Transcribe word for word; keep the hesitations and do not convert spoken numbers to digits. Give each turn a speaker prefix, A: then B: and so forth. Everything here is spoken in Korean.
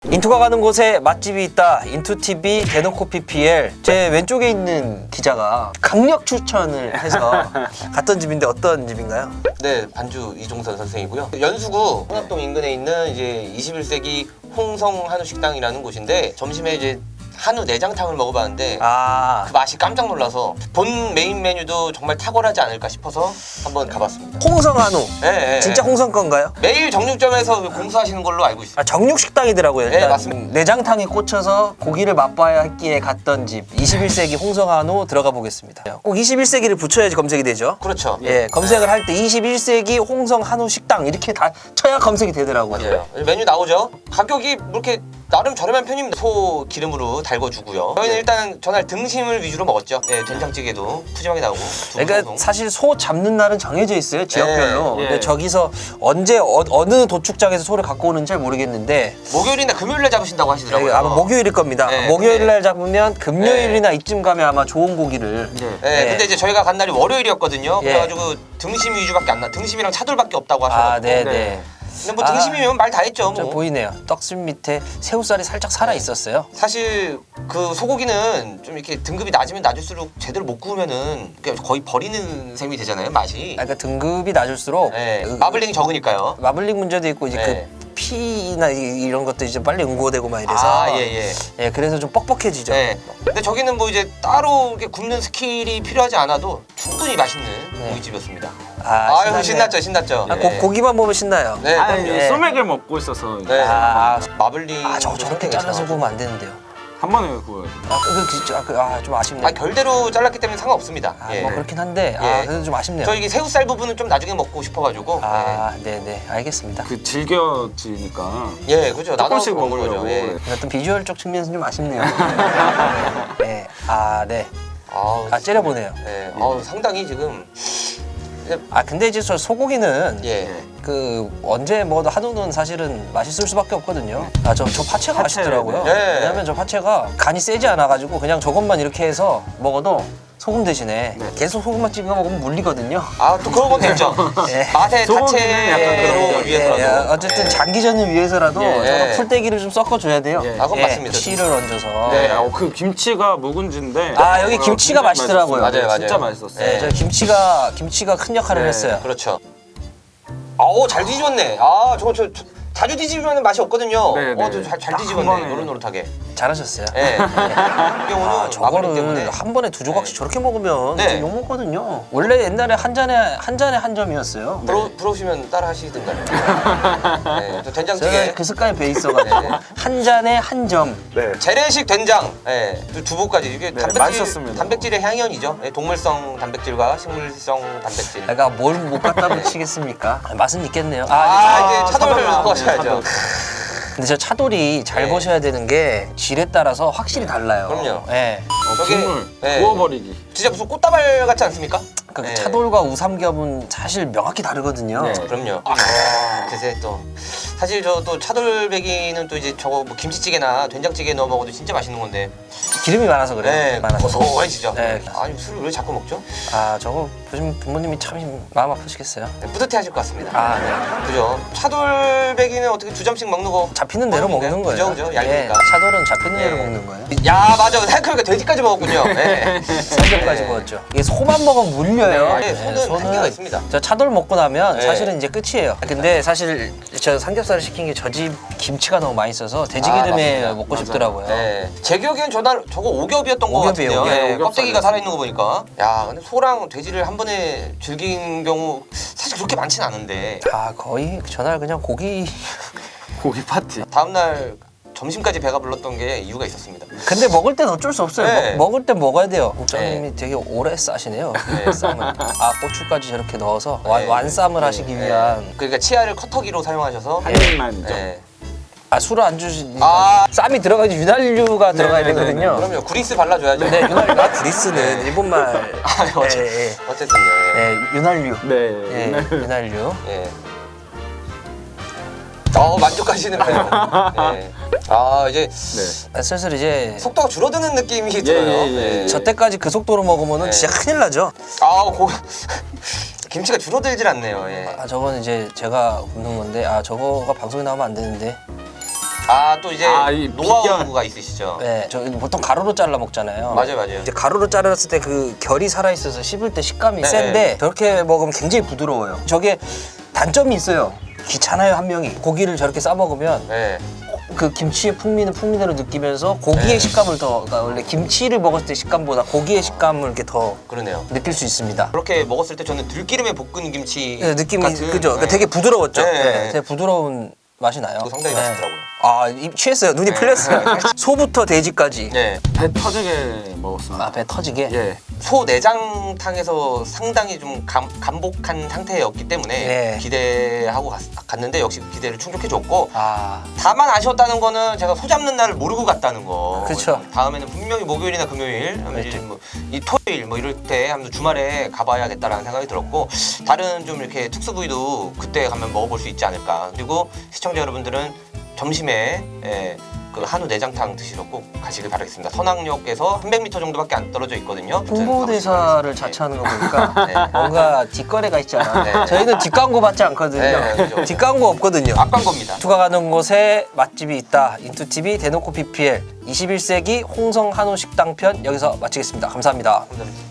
A: 인투가 가는 곳에 맛집이 있다. 인투티비 대놓고 피피엘. 제 왼쪽에 있는 기자가 강력 추천을 해서 갔던 집인데 어떤 집인가요?
B: 네, 반주 이종선 선생이고요. 연수구 홍합동 인근에 있는 이제 이십일 세기 홍성 한우 식당이라는 곳인데 점심에 이제 한우 내장탕을 먹어봤는데
A: 아,
B: 그 맛이 깜짝 놀라서 본 메인 메뉴도 정말 탁월하지 않을까 싶어서 한번 가봤습니다.
A: 홍성 한우.
B: 네,
A: 진짜 홍성 건가요?
B: 매일 정육점에서 공수하시는 걸로 알고 있습니다.
A: 아, 정육식당이더라고요.
B: 네,
A: 일단
B: 맞습니다.
A: 내장탕에 꽂혀서 고기를 맛봐야 했기에 갔던 집. 이십일 세기 홍성 한우 들어가 보겠습니다. 꼭 이십일 세기를 붙여야지 검색이 되죠.
B: 그렇죠.
A: 예, 검색을 할 때 이십일 세기 홍성 한우 식당 이렇게 다 쳐야 검색이 되더라고요.
B: 맞아요. 메뉴 나오죠. 가격이 그렇게 나름 저렴한 편입니다. 소 기름으로 달궈주고요. 저희는 일단 전날 등심을 위주로 먹었죠. 예, 된장찌개도 푸짐하게 나오고.
A: 그러니까
B: 두부송송.
A: 사실 소 잡는 날은 정해져 있어요, 지역별로.
C: 예.
A: 근데 저기서 언제 어, 어느 도축장에서 소를 갖고 오는지 잘 모르겠는데
B: 목요일이나 금요일에 잡으신다고 하시더라고요.
A: 아마 목요일일 겁니다.
B: 네,
A: 목요일 날
B: 네.
A: 잡으면 금요일이나 이쯤 가면 아마 좋은 고기를.
C: 네.
B: 네,
A: 네.
B: 근데 이제 저희가 간 날이 월요일이었거든요.
A: 예.
B: 그래가지고 등심 위주밖에 안 나. 등심이랑 차돌밖에 없다고 하셔가지고.
A: 아, 네,
C: 네.
A: 네.
B: 근데 뭐
A: 아,
B: 등심이면 말 다 했죠.
A: 좀
B: 뭐.
A: 보이네요. 떡순 밑에 새우살이 살짝 살아 있었어요.
B: 사실 그 소고기는 좀 이렇게 등급이 낮으면 낮을수록 제대로 못 구우면은 그냥 거의 버리는 셈이 되잖아요. 맛이.
A: 그러니까 등급이 낮을수록
B: 네.
A: 그-
B: 마블링이 적으니까요.
A: 마블링 문제도 있고 이제
B: 네.
A: 그 피나 이- 이런 것도 이제 빨리 응고되고 막 이래서
B: 아, 예, 예.
A: 예, 그래서 좀 뻑뻑해지죠.
B: 네. 근데 저기는 뭐 이제 따로 이렇게 굽는 스킬이 필요하지 않아도 충분히 맛있는
A: 네.
B: 고깃집이었습니다.
A: 아,
B: 아유,
A: 신나네요.
B: 신났죠, 신났죠.
A: 아,
B: 네.
A: 고, 고기만 보면 신나요.
B: 네,
C: 아니,
B: 그럼요.
A: 예.
C: 소맥을 먹고 있어서
B: 네.
A: 아,
B: 마블링.
A: 아, 저 저렇게 잘라서 구우면 안 되는데요.
C: 한 번에 구워야 돼.
A: 아, 그, 그, 그, 아, 그, 아, 좀 아쉽네요.
B: 아, 결대로 잘랐기 때문에 상관없습니다.
A: 아,
B: 예.
A: 뭐 그렇긴 한데, 아,
B: 예.
A: 그래도 좀 아쉽네요.
B: 저 이게 새우살 부분은 좀 나중에 먹고 싶어가지고.
A: 아, 네, 네, 알겠습니다.
C: 그 질겨지니까.
B: 예, 예 그죠. 나도
C: 조금씩
B: 먹는
C: 먹으려고.
B: 거죠. 예.
A: 어떤 비주얼적 측면에서 좀 아쉽네요. 네, 아, 네,
B: 아우,
A: 아 째려보네요.
B: 예, 아우, 상당히 지금.
A: 아, 근데 이제 저 소고기는
B: 예.
A: 그 언제 먹어도 한우는 사실은 맛있을 수밖에 없거든요. 아, 저, 저 파채가
C: 파채,
A: 맛있더라고요.
B: 네.
A: 왜냐면 저 파채가 간이 세지 않아가지고 그냥 저것만 이렇게 해서 먹어도 소금 대신에
C: 네.
A: 계속 소금만 찍어 먹으면 물리거든요.
B: 아, 또 그런 것도 있죠.
A: 예.
B: 맛의
C: 소고기는 약간
B: 자체로
C: 그런 게.
B: 위해서라도.
A: 예, 어쨌든
B: 예.
A: 장기전을 위해서라도
C: 예.
A: 저거 풀떼기를 좀 섞어줘야 돼요.
C: 예.
B: 아, 그건 맞습니다.
A: 씨를 얹어서.
B: 네.
C: 아, 그 김치가 묵은지인데.
A: 아, 여기
C: 어,
A: 김치가
C: 굉장히
A: 맛있더라고요.
C: 맛있었어요.
B: 맞아요,
C: 진짜
B: 맞아요.
C: 맛있었어요.
A: 네, 저 김치가 김치가 큰 역할을
C: 네.
A: 했어요.
B: 그렇죠. 아우, 잘 뒤집었네. 아, 저거 저, 저 자주 뒤집으면 맛이 없거든요.
C: 네, 네.
B: 어, 저 잘, 잘
C: 딱
B: 뒤집었네.
C: 한 번에.
B: 노릇노릇하게.
A: 잘하셨어요.
B: 예. 이게 오늘
A: 아,
B: 마블링 때문에.
A: 저거를 한 번에 두 조각씩
B: 네.
A: 저렇게 먹으면
B: 네.
A: 욕 먹거든요. 원래 옛날에 한 잔에 한 잔에 한 점이었어요.
B: 부러, 부러우시면 따라 하시든가요. 네, 저 된장찌개.
A: 제가 그 습관에 배 있어가지고
B: 네.
A: 한 잔에 한 점.
C: 네.
B: 재래식 된장, 예, 또 두부까지 이게
C: 네,
B: 단백질,
C: 맛있었습니다.
B: 단백질의 향연이죠. 예, 동물성 단백질과 식물성 단백질.
A: 내가 뭘 못 갖다 붙이겠습니까? 아, 맛은 있겠네요. 아,
B: 아, 이제 차돌을
C: 차돌
B: 넣으셔야죠.
C: 차돌.
A: 근데 저 차돌이 잘
B: 네.
A: 보셔야 되는 게 질에 따라서 확실히 달라요.
B: 그럼요.
A: 예.
C: 어,
B: 저게-
C: 국물
B: 네.
C: 구워버리기.
B: 진짜 무슨 꽃다발 같지 않습니까?
A: 그
B: 네.
A: 차돌과 우삼겹은 사실 명확히 다르거든요.
C: 네.
B: 그럼요. 아, 그새 또 사실 저 또 차돌배기는 또 이제 저거 뭐 김치찌개나 된장찌개 넣어 먹어도 진짜 맛있는 건데.
A: 기름이 많아서 그래요.
B: 네,
A: 많아서.
B: 고소해지죠.
A: 네.
B: 아니 술을 왜 자꾸 먹죠?
A: 아, 저거 보시면 부모님이 참 마음 아프시겠어요.
B: 네, 뿌듯해하실 것 같습니다.
A: 아, 네.
B: 그죠? 차돌배기는 어떻게 두 점씩 먹는 거?
A: 잡히는 대로
B: 먹는
A: 먹는
B: 거예요?
A: 거예요.
B: 그죠, 그죠?
A: 예,
B: 얇으니까.
A: 차돌은 잡히는 대로
B: 예.
A: 먹는 거예요.
B: 야 맞아. 생각해보니까 돼지까지 먹었군요. 네.
A: 삼겹까지
B: 네.
A: 먹었죠. 이게 소만 먹으면 물려요.
B: 네, 소는 한계가 있습니다.
A: 저 차돌 먹고 나면
B: 네.
A: 사실은 이제 끝이에요. 근데 사실 저 삼겹살을 시킨 게 저 집 김치가 너무 맛있어서 돼지
B: 아,
A: 기름에
B: 맞습니다.
A: 먹고
C: 맞아요.
A: 싶더라고요.
B: 네. 제 기억엔 저날 저거 오겹이었던 것
A: 오겹이에요,
B: 같은데요.
A: 오겹.
B: 네,
C: 오겹살이었어요.
B: 껍데기가 살아있는 거 보니까. 야 근데 소랑 돼지를 한 번에 즐긴 경우 사실 그렇게 많진 않은데
A: 아, 거의 전날 그냥 고기.
C: 고기 파티.
B: 다음날 점심까지 배가 불렀던 게 이유가 있었습니다.
A: 근데 먹을 땐 어쩔 수 없어요.
B: 네.
A: 먹, 먹을 땐 먹어야 돼요. 국장님이
B: 네.
A: 되게 오래 싸시네요.
B: 네.
A: 쌈을. 아, 고추까지 저렇게 넣어서 완,
B: 네.
A: 완쌈을 하시기 위한.
B: 네. 그러니까 치아를 커터기로 사용하셔서
C: 한 입만이죠.
B: 네.
A: 아, 술을 안 주시.
B: 아.
A: 쌈이 들어가야지 윤활유가 들어가야
C: 네, 네,
A: 되거든요.
B: 그럼요. 그리스 발라줘야죠.
A: 네, 윤활유. 아, 그리스는
B: 네.
A: 일본말.
B: 아, 어째,
A: 예, 예.
B: 어쨌든요. 예.
A: 예, 윤활유.
C: 네.
A: 예, 윤활유.
B: 예. 어 만족하시는데요. 예. 아 이제
C: 네.
A: 아, 슬슬 이제
B: 속도가 줄어드는 느낌이 들어요.
C: 예, 예, 예.
A: 저 때까지 그 속도로 먹으면은
B: 네.
A: 진짜 큰일 나죠.
B: 아 고 김치가 줄어들질 않네요. 예.
A: 아, 저건 이제 제가 굽는 건데, 아, 저거가 방송에 나오면 안 되는데.
B: 아 또 이제
C: 아, 이
B: 노하우가 있으시죠?
A: 네, 저 보통 가루로 잘라 먹잖아요.
B: 맞아요, 맞아요.
A: 이제 가루로 자랐을 때 그 결이 살아 있어서 씹을 때 식감이
B: 네.
A: 센데 저렇게 먹으면 굉장히 부드러워요. 저게 단점이 있어요. 귀찮아요 한 명이. 고기를 저렇게 싸 먹으면
B: 네.
A: 그 김치의 풍미는 풍미대로 느끼면서 고기의
B: 네.
A: 식감을 더 그러니까 원래 김치를 먹었을 때 식감보다 고기의 식감을 이렇게 더
B: 그러네요.
A: 느낄 수 있습니다.
B: 그렇게 먹었을 때 저는 들기름에 볶은 김치
A: 네, 느낌이
B: 같은,
A: 그죠? 그러니까
B: 네.
A: 되게 부드러웠죠.
B: 네.
A: 네, 되게 부드러운 맛이 나요.
B: 그거 상당히
A: 네.
B: 맛있더라고요.
A: 아, 입 취했어요. 눈이
B: 네.
A: 풀렸어요. 소부터 돼지까지.
B: 네.
C: 배 터지게 먹었습니다.
A: 아, 배 터지게.
C: 예.
B: 소 내장탕에서 상당히 좀 감, 감복한 상태였기 때문에
A: 네.
B: 기대하고 갔, 갔는데 역시 기대를 충족해줬고
A: 아,
B: 다만 아쉬웠다는 거는 제가 소 잡는 날을 모르고 갔다는 거.
A: 그쵸.
B: 다음에는 분명히 목요일이나 금요일, 아니면 이제 뭐 이 토요일 뭐 이럴 때 한번 주말에 가봐야겠다라는 생각이 들었고 다른 좀 이렇게 특수 부위도 그때 가면 먹어볼 수 있지 않을까. 그리고 시청자 여러분들은 점심에 예, 그 한우 내장탕 드시러 꼭 가시길 바라겠습니다. 선악역에서 삼백 미터 정도밖에 안 떨어져 있거든요.
A: 홍보대사를 자처하는 거 보니까
B: 네.
A: 뭔가 뒷거래가 있잖아.
B: 네.
A: 저희는 뒷광고 받지 않거든요.
B: 네, 그죠.
A: 뒷광고 없거든요.
B: 앞간 겁니다.
A: 투가 가는 곳에 맛집이 있다. 인투티비 대놓고 피피엘 이십일 세기 홍성 한우 식당 편 여기서 마치겠습니다. 감사합니다.
B: 감사합니다.